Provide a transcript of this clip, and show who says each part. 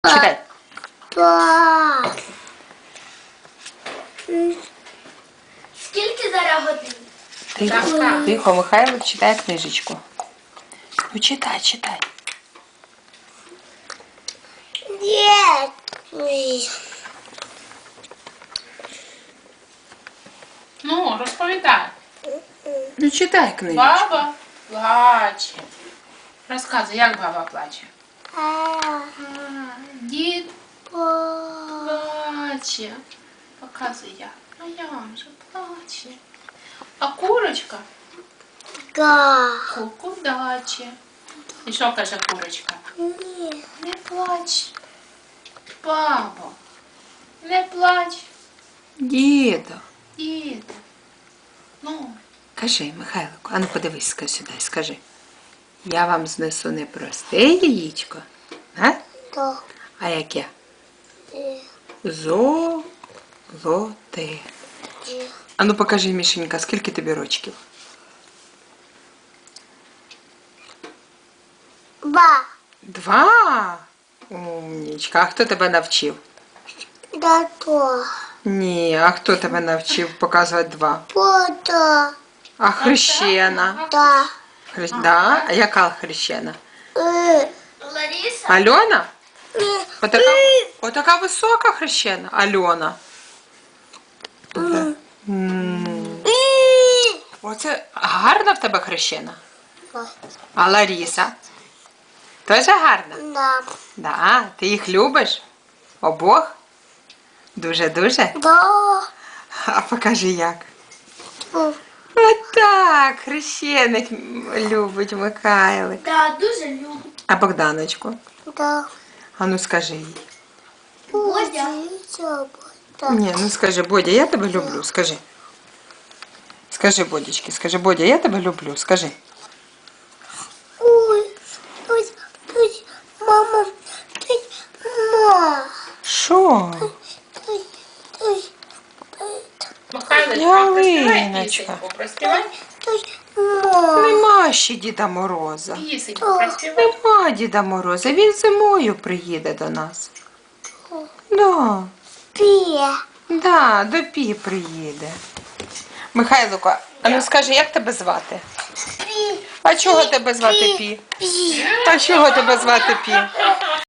Speaker 1: Читай.
Speaker 2: Скільки зараз годин?
Speaker 1: Тихо, тихо, Михайло читає книжечку. Ну читай, читай.
Speaker 3: Ну, розповідай.
Speaker 1: Ну читай книжечку.
Speaker 3: Баба плаче. Розказуй, як баба плаче. Дід плаче. Показуй як. А як же плаче. А курочка куку даче. І що каже курочка? Не плач. Бабо, не плач.
Speaker 1: Діда.
Speaker 3: Діду. Ну,
Speaker 1: Кажи, Михайлику, а ну подивись сюди, скажи. Я вам знесу не просте яєчко, а яке? Золоте. А ну покажи, Мішенька, скільки тобі рочків? 2? Умнічка. А хто тебе навчив? Ні, а хто тебе навчив показувати 2? А хрещена? Да? А яка хрещена?
Speaker 2: Лариса?
Speaker 1: Альона? Отака висока хрещена? Альона. Да. Оце гарна в тебе хрещена? А Ларіса? Теж гарна? Да. Ти їх любиш? Обох? Дуже-дуже? А покажи як. Отак, хрещеник любить Михайлик.
Speaker 2: Да, дуже люблю.
Speaker 1: А Богданочку? А ну скажи їй.
Speaker 2: Бодя.
Speaker 1: Ні, ну скажи, Бодя, я тебе люблю, скажи. Скажи, Бодічки, скажи, Бодя, я тебе люблю, скажи. Що?
Speaker 3: Михайлочка,
Speaker 1: Ялиночка.
Speaker 3: проспівай пісеньку, проспівай.
Speaker 1: Нема ще Діда Мороза.
Speaker 3: Пісеньку проспівай.
Speaker 1: Нема Діда Мороза, він зимою приїде до нас. Да, до Пі приїде. Михайлико, а ну скажи, як тебе звати? А чого тебе звати Пі? А чого тебе звати Пі?